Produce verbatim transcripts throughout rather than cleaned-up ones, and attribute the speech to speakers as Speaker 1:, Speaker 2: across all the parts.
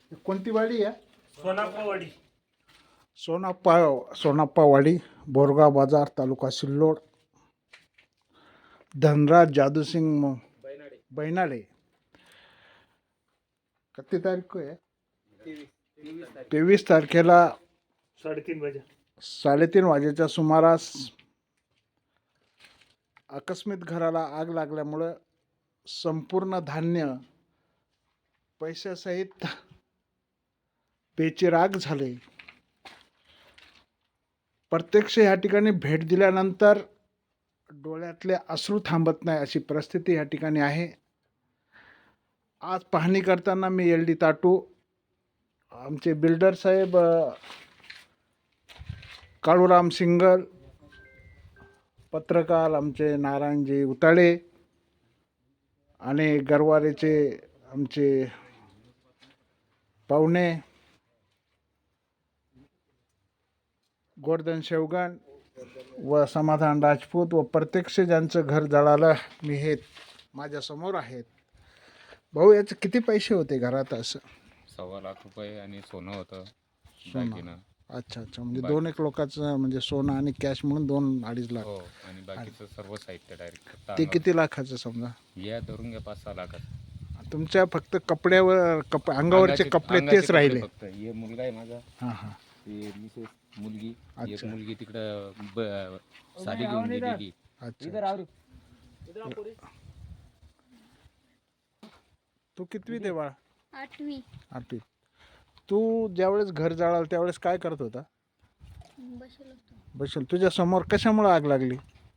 Speaker 1: कोणती वाडी आहे?
Speaker 2: सोनाप्पावाडी.
Speaker 1: सोनाप्पा सोनाप्पा वाडी, बोरगाव बाजार, तालुका सिल्लोड. धनराज जादूसिंग बैनाडे. किती तारीख को आहे? तेवीस तारखेला
Speaker 2: साडेतीन वाजे
Speaker 1: साडेतीन वाजेच्या सुमारास आकस्मित घराला आग लागल्यामुळं संपूर्ण धान्य पैशासहित बेचिराग झाले. प्रत्यक्ष या ठिकाणी भेट दिल्यानंतर डोळ्यातले अश्रू थांबत नाही अशी परिस्थिती या ठिकाणी आहे. आज पाहणी करताना मी एल डी ताटू, आमचे बिल्डर साहेब काळूराम सिंगल, पत्रकार आमचे नारायणजी उताळे आणि गरवारेचे आमचे पाहुणे गोवर्धन शेवगण व समाधान राजपूत व प्रत्यक्ष ज्यांचं घर जळालं मी हे माझ्यासमोर आहेत. भाऊ, याचे किती पैसे होते घरात? असं
Speaker 3: सव्वा लाख रुपये आणि सोनं होतं,
Speaker 1: सोनं.
Speaker 3: दागिना.
Speaker 1: अच्छा अच्छा, म्हणजे दोन एक लोकांचं म्हणजे सोनं आणि कॅश म्हणून दोन अडीच लाख.
Speaker 3: हो, आणि बाकीचं सर्व साहित्य डायरेक्ट
Speaker 1: ते किती लाखाचं समजा?
Speaker 3: या धरून घ्या पाच सहा लाखाचं.
Speaker 1: तुमच्या फक्त कपड्यावर कप अंगावरचे
Speaker 3: अंगाचे-
Speaker 1: कपडे
Speaker 3: अंगाचे
Speaker 1: तेच
Speaker 3: कपडे
Speaker 1: राहिले?
Speaker 3: फक्त. हे मुलगा आहे माझा,
Speaker 1: हां हां.
Speaker 3: ते मिसेस मुलगी, एक
Speaker 1: अच्छा.
Speaker 3: मुलगी तिकडं ब- साडी घेऊन गेलेली.
Speaker 1: अच्छा. तू कितवी ते बाळा?
Speaker 4: आठवी.
Speaker 1: आठवी. तू ज्यावेळेस घर जळालं त्यावेळेस काय करत होता?
Speaker 4: बसलो होतो.
Speaker 1: बसेल. तुझ्या समोर कशामुळे आग लागली?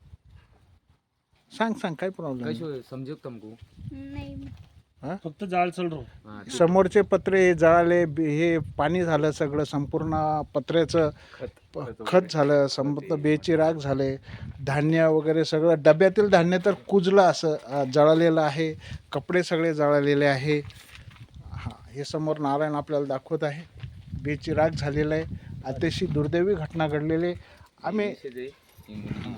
Speaker 1: सांग सांग, काय प्रॉब्लेम?
Speaker 3: कैसे समझो तुमको?
Speaker 4: नाही.
Speaker 2: फक्त जाळ चल रो.
Speaker 3: हा, ते
Speaker 1: समोरचे पत्रे हे जळाले, बे- हे पाणी झालं, सगळं संपूर्ण पत्र्याचं
Speaker 3: खत-
Speaker 1: प-
Speaker 3: खत
Speaker 1: खत झालं, संपूर्ण बेचिराग झाले. धान्य वगैरे सगळं, डब्यातील धान्य तर कुजलं असं अ, जळालेलं आहे. कपडे सगळे जळालेले आहे. हां, हे समोर नारायण आपल्याला दाखवत आहे. बेचिराग झालेलं आहे. अतिशय दुर्दैवी घटना घडलेली आहे. आम्ही
Speaker 3: मिसेस आहे, ही मुलगी.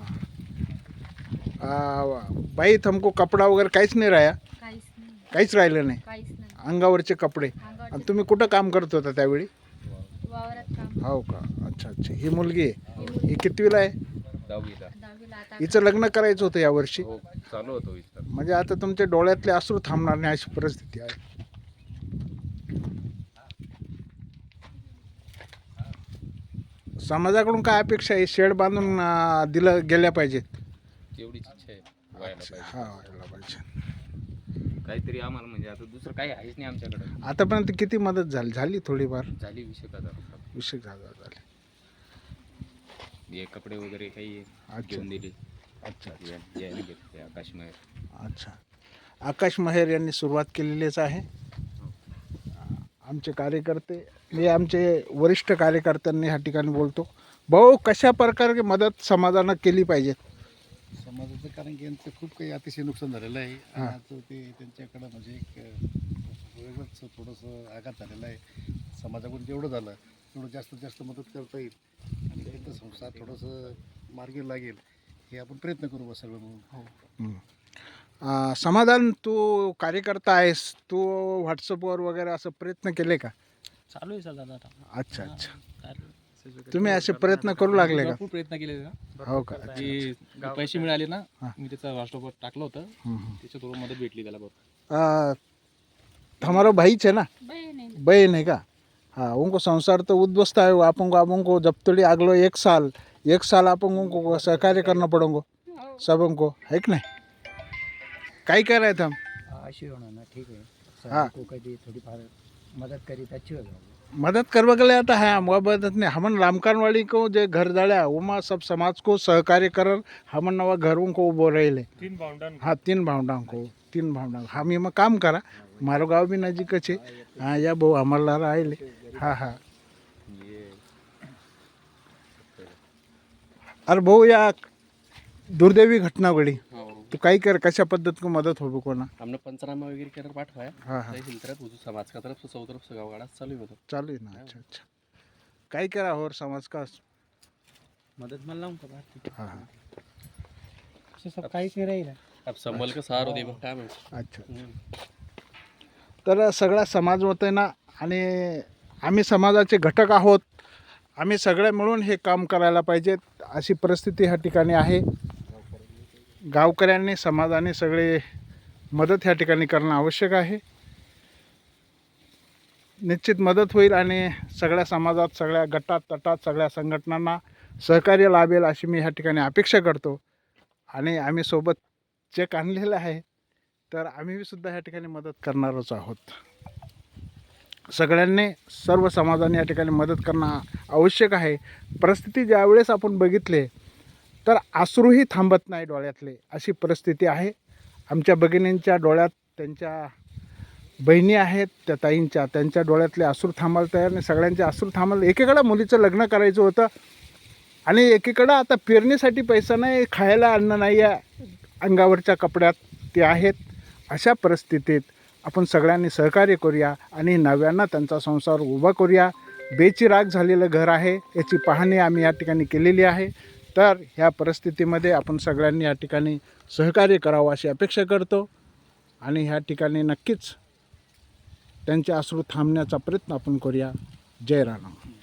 Speaker 1: अ, बाई तुमको कपडा वगैरे काहीच नाही राहा?
Speaker 4: काहीच नाही.
Speaker 1: काहीच राहिलं नाही.
Speaker 4: काहीच नाही.
Speaker 1: अंगावरचे कपडे.
Speaker 4: अंगावरचे
Speaker 1: आणि तुम्ही कुठं काम करत होता त्यावेळी?
Speaker 4: वावरात काम.
Speaker 1: हो का? अच्छा अच्छा. ही मुलगी आहे.
Speaker 4: ही मुलगी
Speaker 1: ही कितवीला आहे?
Speaker 3: दहावीला.
Speaker 4: दहावीला आता.
Speaker 1: हिचं लग्न करायचं होतं यावर्षी.
Speaker 3: हो, चालू होतो विस्तार.
Speaker 1: म्हणजे आता तुमच्या डोळ्यातले अश्रू थांबणार नाही अशी परिस्थिती आहे. समाजाकडून काय अपेक्षा आहे? शेड बांधून अं, दिलं गेल्या पाहिजेत.
Speaker 3: तेवढीच इच्छा आहे, व्हायला पाहिजे.
Speaker 1: हा, व्हायला पाहिजे.
Speaker 3: काहीतरी आम्हाला, म्हणजे आता दुसरं काही आहेच नाही आमच्याकडे.
Speaker 1: आतापर्यंत किती मदत झाली? झाली थोडीफार?
Speaker 3: झाली वीस एक हजार रुपये.
Speaker 1: विषय झाला झाले.
Speaker 3: हे कपडे वगैरे काही
Speaker 1: अच्छा.
Speaker 3: घेऊन दिले.
Speaker 1: अच्छा अच्छा
Speaker 3: या- याने घेतले आकाश महेर.
Speaker 1: अच्छा. आकाश महेर यांनी सुरुवात केलेलीच आहे. आमचे कार्यकर्ते, मी आमचे वरिष्ठ कार्यकर्त्यांनी ह्या ठिकाणी बोलतो. भाऊ, कशा प्रकारे मदत समाजानं केली पाहिजे?
Speaker 5: समाजाचं, कारण की यांचं खूप काही अतिशय नुकसान झालेलं आहे. आणि
Speaker 1: हां.
Speaker 5: आज ते त्यांच्याकडं म्हणजे एक अ, वेगळंच थोडंसं आघात झालेला आहे. समाजाकडून जेवढं झालं तेवढं जास्तीत जास्त मदत करता येईल आणि त्यांचं संसार थोडंसं मार्गी लागेल हे आपण प्रयत्न करू बा सगळं म्हणून.
Speaker 1: अं, समाधान, तू कार्यकर्ता आहेस, तू व्हॉट्सअपवर वगैरे असं प्रयत्न केले का?
Speaker 6: चालू आहे सर दादा आता.
Speaker 1: अच्छा अच्छा.
Speaker 6: काय
Speaker 1: तुम्ही असे प्रयत्न करू लागले का?
Speaker 6: भरपूर प्रयत्न केले ना.
Speaker 1: हो का? अच्छा.
Speaker 6: की पैसे मिळाले ना,
Speaker 1: हां.
Speaker 6: मी त्याचा व्हॉट्सअपवर टाकलं होतं.
Speaker 1: हम्म, हम्म.
Speaker 6: त्याच्या थोडं मदत भेटली त्याला बघ.
Speaker 1: अं, हमारा भाई है ना?
Speaker 4: बहीण आहे.
Speaker 1: बहन है का? हाँ, उनको संसार तो उद्ध्वस्त है. अपन को अपन को जब तोड़ी अगलो एक साल एक साल अपन उनको सहकार्य करना पड़ेंगे
Speaker 4: हो.
Speaker 1: सबों को, है कि नहीं? काय कर रहे थे हम?
Speaker 7: अशी होणार ना, ठीक आहे.
Speaker 1: हाँ.
Speaker 7: को कधी थोडीफार मदत करी अच्छी हो जाएगी.
Speaker 1: मदद करवा के लिए आता है हम, वह मदद नहीं. हमन रामकानवाड़ी को जो घर जड़ा उमा सब समाज को सहकार्य कर हमन नवा घरों को बोल रहे ले.
Speaker 2: तीन भावंडां.
Speaker 1: हाँ, तीन भावंडां को तीन भावंडां हम ये में काम करा. मारो गाँव भी नजीक है. हाँ, या बहु हमारा राहिले. हाँ हाँ. अरे भाऊ, या दुर्दैवी घटना घडी, तू काही कर, कशा पद्धत को मदत हो कोणा?
Speaker 6: हमने पंचनामा वगैरे केलं पाठवाय.
Speaker 1: हाँ हाँ,
Speaker 6: तहसील तरफ हुजूर समाज का तरफ से सौ तरफ से गाँव गाड़ा चालू होतं.
Speaker 1: चालू है ना. अच्छा अच्छा. काही करा और समाज का.
Speaker 6: मदत मला लावून का
Speaker 1: हाँ हाँ.
Speaker 7: सब काहीच नाही राहील.
Speaker 6: अब संभल का सहारा दे बघ काय म्हणतो.
Speaker 1: अच्छा. तर सगळा समाज होत आहे ना, आणि आम्ही समाजाचे घटक आहोत. आम्ही सगळे मिळून हे काम करायला पाहिजेत अशी परिस्थिती ह्या ठिकाणी आहे. गावकऱ्यांनी समाजाने सगळे मदत ह्या ठिकाणी करणं आवश्यक आहे. निश्चित मदत होईल आणि सगळ्या समाजात, सगळ्या गटात तटात, सगळ्या संघटनांना सहकार्य लाभेल अशी मी ह्या ठिकाणी अपेक्षा करतो. आणि आम्ही सोबत चेक आणलेला आहे, तर आम्ही सुद्धा ह्या ठिकाणी मदत करणारच आहोत. सगळ्यांनी, सर्व समाजाने या ठिकाणी मदत करणं आवश्यक आहे. परिस्थिती ज्यावेळेस आपण बघितले तर अश्रूही थांबत नाही डोळ्यातले, अशी परिस्थिती आहे. आमच्या भगिनींच्या डोळ्यात त्यांच्या बहिणी आहेत, त्या ताईंच्या, त्यांच्या डोळ्यातले अश्रू थांबायला तयार नाही. सगळ्यांचे अश्रू थांबायला, एकीकडं मुलीचं लग्न करायचं होतं आणि एकीकडं आता पेरणीसाठी पैसा नाही, खायला अन्न नाही आहे, अंगावरच्या कपड्यात ते आहेत. अशा परिस्थितीत आपण सगळ्यांनी सहकार्य करूया आणि नव्यानं त्यांचा संसार उभा करूया. बेचिराग झालेलं घर आहे, याची पाहणी आम्ही या ठिकाणी केलेली आहे. तर ह्या परिस्थितीमध्ये आपण सगळ्यांनी या ठिकाणी सहकार्य करावं अशी अपेक्षा करतो. आणि ह्या ठिकाणी नक्कीच त्यांचे अश्रू थांबण्याचा प्रयत्न आपण करूया. जय राणा.